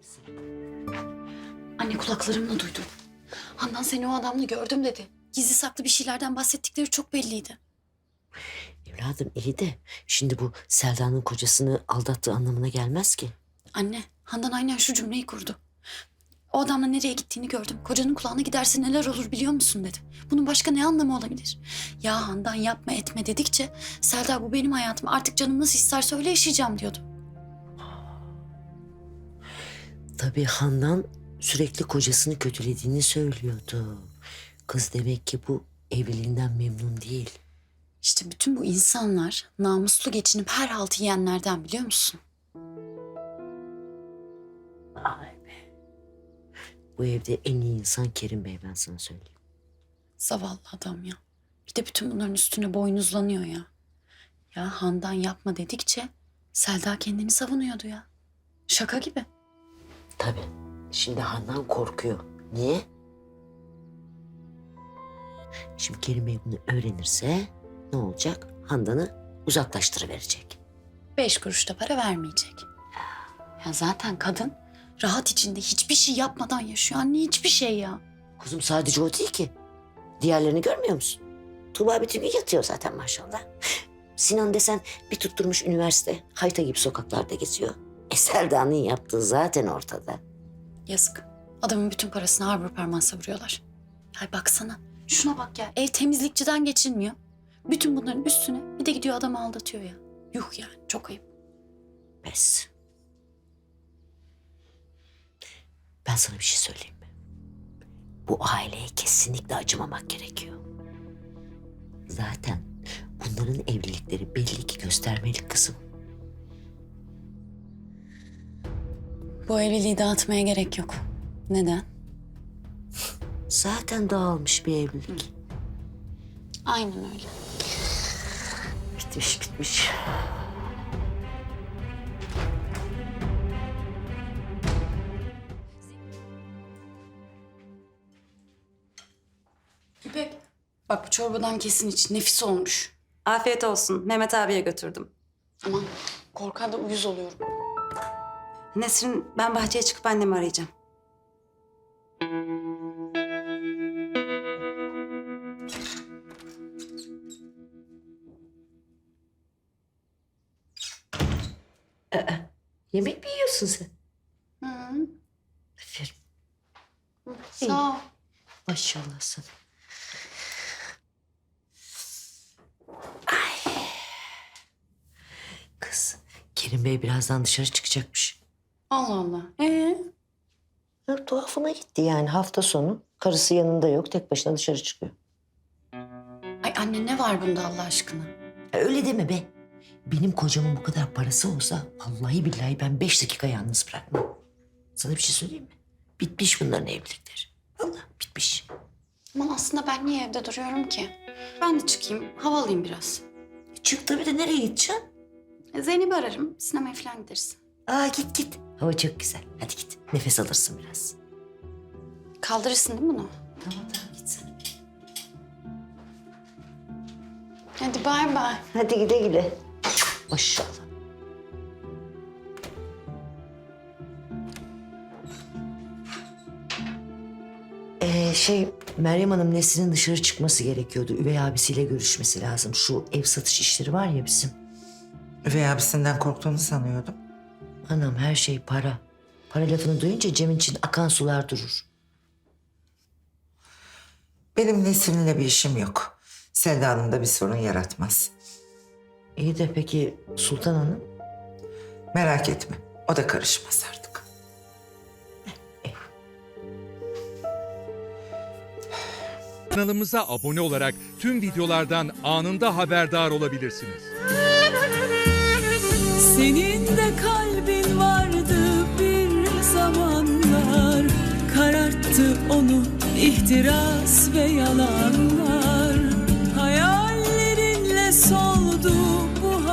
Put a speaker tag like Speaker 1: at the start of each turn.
Speaker 1: Anne kulaklarımla duydum. Handan seni o adamla gördüm dedi. Gizli saklı bir şeylerden bahsettikleri çok belliydi.
Speaker 2: Evladım iyi de şimdi bu Selda'nın kocasını aldattığı anlamına gelmez ki.
Speaker 1: Anne, Handan aynen şu cümleyi kurdu. O adamla nereye gittiğini gördüm. Kocanın kulağına giderse neler olur biliyor musun dedi. Bunun başka ne anlamı olabilir? Ya Handan yapma etme dedikçe Selda bu benim hayatım. Artık canım nasıl isterse öyle yaşayacağım diyordu.
Speaker 2: Tabii Handan sürekli kocasını kötülediğini söylüyordu. Kız demek ki bu evliliğinden memnun değil.
Speaker 1: İşte bütün bu insanlar namuslu geçinip her haltı yiyenlerden biliyor musun?
Speaker 2: Ay be. Bu evde en iyi insan Kerim Bey, ben sana söyleyeyim.
Speaker 1: Zavallı adam ya. Bir de bütün bunların üstüne boynuzlanıyor ya. Ya Handan yapma dedikçe Selda kendini savunuyordu ya. Şaka gibi.
Speaker 2: Tabii. Şimdi Handan korkuyor. Niye? Şimdi Kerim Bey bunu öğrenirse ne olacak? Handan'ı uzaklaştırıverecek.
Speaker 1: 5 kuruş da para vermeyecek. Ya zaten kadın rahat içinde hiçbir şey yapmadan yaşıyor. Anne hiçbir şey ya.
Speaker 2: Kuzum sadece o değil ki. Diğerlerini görmüyor musun? Tuğba bütün gün yatıyor zaten maşallah. Sinan desen bir tutturmuş üniversite. Hayta gibi sokaklarda geziyor. Selda'nın yaptığı zaten ortada.
Speaker 1: Yazık. Adamın bütün parasını harbur parmağı savuruyorlar. Ay baksana. Şuna bak ya. Ev temizlikçiden geçilmiyor. Bütün bunların üstüne bir de gidiyor adamı aldatıyor ya. Yuh yani çok ayıp.
Speaker 2: Pes. Ben sana bir şey söyleyeyim mi? Bu aileye kesinlikle acımamak gerekiyor. Zaten bunların evlilikleri belli ki göstermelik kızım.
Speaker 1: Bu evliliği dağıtmaya gerek yok. Neden?
Speaker 2: Zaten dağılmış bir evlilik.
Speaker 1: Aynen öyle.
Speaker 2: Bitmiş bitmiş.
Speaker 1: İpek. Bak bu çorbadan kesin iç. Nefis olmuş.
Speaker 3: Afiyet olsun. Mehmet abiye götürdüm.
Speaker 1: Aman korkar da uyuz oluyorum.
Speaker 3: Nesrin, ben bahçeye çıkıp annemi arayacağım.
Speaker 2: Yemek mi yiyorsun sen?
Speaker 1: Hı.
Speaker 2: Aferin.
Speaker 1: Sağ ol.
Speaker 2: Maşallah sana. Kız, Kerim Bey birazdan dışarı çıkacakmış.
Speaker 1: Allah Allah.
Speaker 2: Ya, tuhafıma gitti yani hafta sonu. Karısı yanında yok, tek başına dışarı çıkıyor.
Speaker 1: Ay anne ne var bunda Allah aşkına?
Speaker 2: Ya, öyle deme be. Benim kocamın bu kadar parası olsa vallahi billahi ben 5 dakika yalnız bırakmam. Sana bir şey söyleyeyim mi? Bitmiş bunların evlilikleri. Vallahi bitmiş.
Speaker 1: Aman aslında ben niye evde duruyorum ki? Ben de çıkayım, hava alayım biraz.
Speaker 2: Çık tabii de nereye gideceksin?
Speaker 1: Zeynep'i ararım, sinemaya falan gideriz.
Speaker 2: Aa git git. Hava çok güzel. Hadi git. Nefes alırsın biraz.
Speaker 1: Kaldırırsın değil mi bunu?
Speaker 2: Tamam tamam git sen.
Speaker 1: Hadi bay bay.
Speaker 2: Hadi güle güle. Maşallah. Meryem Hanım Nesrin'in dışarı çıkması gerekiyordu. Üvey abisiyle görüşmesi lazım. Şu ev satış işleri var ya bizim.
Speaker 4: Üvey abisinden korktuğunu sanıyordum.
Speaker 2: Anam her şey para. Para lafını duyunca Cem için akan sular durur.
Speaker 4: Benim Nesrin'le bir işim yok. Selda Hanım da bir sorun yaratmaz.
Speaker 2: İyi de peki Sultan Hanım?
Speaker 4: Merak etme, o da karışmaz artık.
Speaker 5: Kanalımıza abone olarak tüm videolardan anında haberdar olabilirsiniz.
Speaker 6: Senin de kalbin vardı bir zamanlar, kararttı onu ihtiras ve yalanlar.